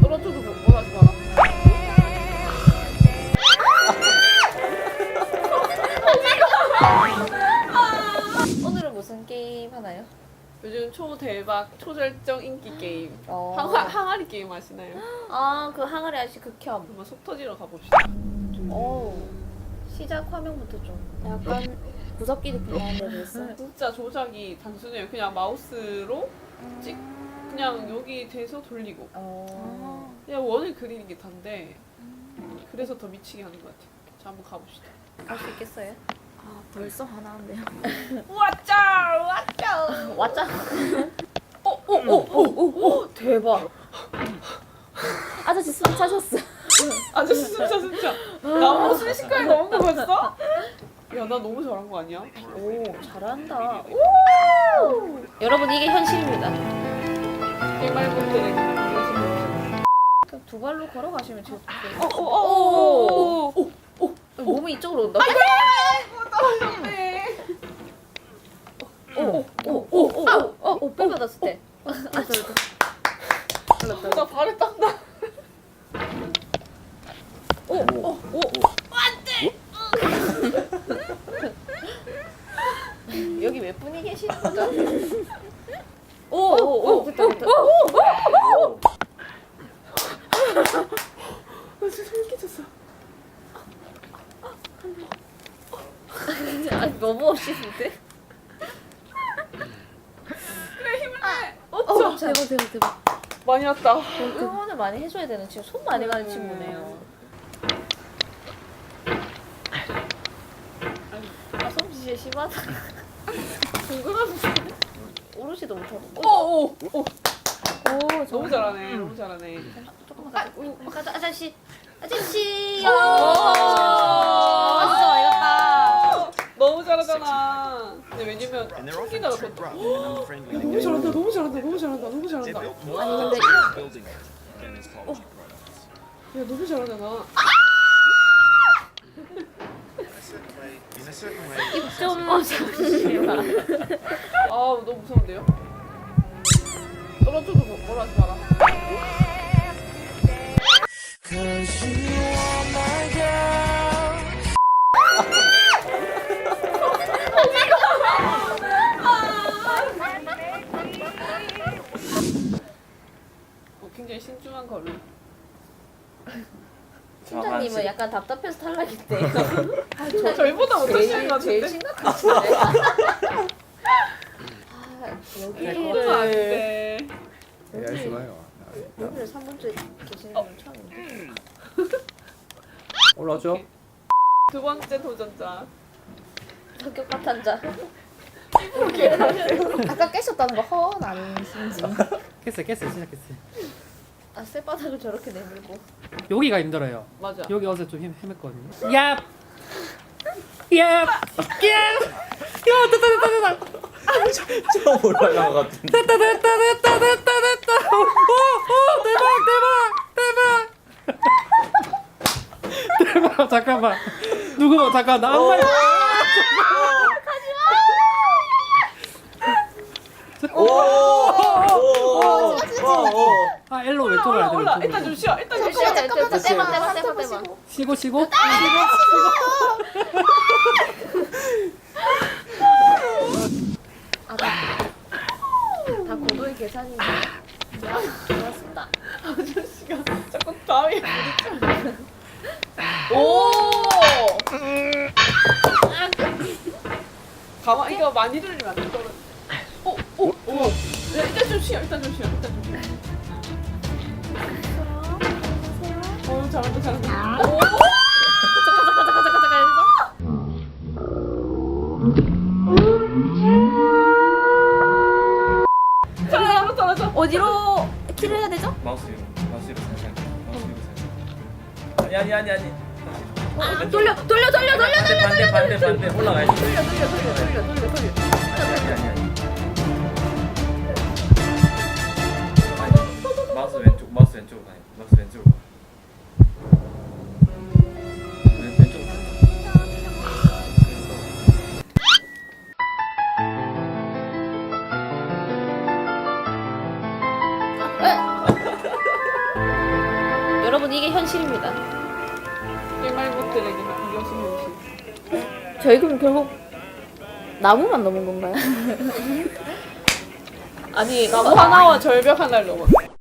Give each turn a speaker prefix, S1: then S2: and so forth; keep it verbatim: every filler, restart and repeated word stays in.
S1: 떨어져도 뭘 하지 마라.
S2: 오늘은 무슨 게임 하나요?
S1: 요즘 초대박 초절정 인기 게임.
S2: 어.
S1: 항아, 항아리 게임 아시나요?
S2: 아, 그 항아리 아저씨 극혐.
S1: 한번 속 터지러 가봅시다.
S2: 오. 시작 화면부터 좀 약간 무섭게 느낌 나는데 벌써.
S1: 진짜 조작이 단순해요. 그냥 마우스로 찍 그냥 여기 대서 돌리고
S2: 어.
S1: 그냥 원을 그리는 게 단데 그래서 더 미치게 하는 것 같아요. 자, 한번 가봅시다.
S2: 갈 수 있겠어요?
S3: 아 벌써 화나는데요.
S1: 왔자 왔자.
S2: 왔자.
S1: 오오오오오 대박.
S3: 아저씨 숨 차셨어.
S1: 아저씨 진짜 진짜 나무 순식간에 넘은 거 봤어? 야, 나 너무 잘한 거 아니야?
S2: 오, 잘한다. 오! 여러분 이게 현실입니다.
S1: 일말분들에게
S2: 그럼 두 발로 걸어가시면 제일 좋겠어요.
S1: 오오오오오
S2: 몸이 이쪽으로 온다.
S1: 떨어졌네.
S2: 오오오오오 어, 오, 뼈 받았을 때. 아, 저기.
S1: 나 발에 땀나.
S2: 오오오 여기 몇 분이 계시는 거죠? 오오오 됐다 됐다.
S1: 나 진짜 소름 끼쳤어.
S2: 아니 너무 멋있는데?
S1: 그래, 힘을 내.
S2: 어,
S3: 어 대박 대박 대박.
S1: 많이 왔다.
S2: 응원을 많이 해줘야 되는 지금 손 많이 가는 친구네요. 아 솜씨 심하다.
S1: 궁금하면서.
S2: 오롯이도 못하고.
S1: 오오 오.
S2: 오
S1: 너무 잘하네. 너무 잘하네.
S2: 조금만 가자. 가자 아저씨. 아저씨.
S1: 오.
S2: 아 진짜 많이 갔다.
S1: 너무 잘하잖아. 근데 왜냐면 초기다가 더 너무 잘한다. 너무 잘한다. 너무 잘한다. 너무 잘한다. 야,
S2: 아니 근데
S1: 너무 잘하잖아.
S2: 입좀 어, 잠시만.
S1: 아, 너무 무서운데요? 떨어져도 뭐- 뭘 하지 마라. 어, 굉장히 신중한 걸음.
S2: 팀장님은 약간 답답해서 탈락했대요. 아,
S1: 저, 저희보다 못하시는 것
S2: 제일, 제일
S1: 같은데?
S2: 심각하신데. 아,
S1: 그러면 안
S2: 여기를
S1: 돼.
S2: 여기,
S4: 좋아요.
S2: 여기를 삼 분째 계시는 건 처음인데.
S4: 올라죠?
S1: 두 번째 도전자.
S2: 성격 파탄자.
S3: 아까 깨셨다는 거 허언 아니신지.
S5: 깼어요 깼어요 진짜 깼어요.
S2: 아, 쇠바닥을 저렇게 내밀고.
S5: 여기가 힘들어요.
S1: 맞아.
S5: 여기 어제 좀 힘, 헤맸거든요. 야! 야! 야! 야 됐다 됐다 됐다
S4: 처음 올라간 것 같은데.
S5: 됐다 됐다 됐다 됐다 됐다 오오 대박 대박 대박 대박 잠깐만 누구 잠깐 나 아무 말
S4: 오오오오.
S5: 아 엘로 왼쪽으로
S1: 올라
S5: 해야 돼
S1: 올라.
S5: 왼쪽으로.
S1: 일단 좀 쉬어. 일단 좀 쉬어.
S2: 잠깐만,
S3: 잠깐만,
S2: 떼봐,
S3: 잠깐만,
S2: 떼봐, 떼봐,
S3: 잠깐만
S2: 떼봐.
S5: 쉬고 쉬고
S2: 아, 다, 다 고도의 계산인데. 좋아, 좋았습니다.
S1: 아저씨가 자꾸 다음에 부딪혀. 오! 가만, 이거 많이 들리면 안 돼. 떨어. 오, 오, 오. 야, 일단 좀 쉬어. 일단 좀 쉬어. 일단 좀 쉬어. 어, 잘한다, 잘한다. 오!
S2: 잠깐, 잠깐, 잠깐, 잠깐, 잠깐 해서.
S1: 잘한다, 잘한다.
S3: 어디로 키를 해야 되죠?
S4: 마우스 위로, 마우스 위로 살살. 마우스 위로 살살. 아니 아니 아니 아니.
S3: 아, 돌려 돌려 돌려 돌려
S4: 반대 반대 반대 반대 올라가야지.
S1: 돌려, 돌려, 돌려, 돌려, 돌려, 돌려.
S4: 아니 아니 아니. 마우스 왼쪽, 마우스 왼쪽으로 가요. 마우스 왼쪽으로 가. 왼 왼쪽으로.
S2: 여러분 이게 현실입니다.
S1: 일말못들에게 이것이 현실.
S3: 저희 그럼 결국 나무만 넘은 건가요?
S1: 아니 나무 하나와 절벽 하나를 넘었어.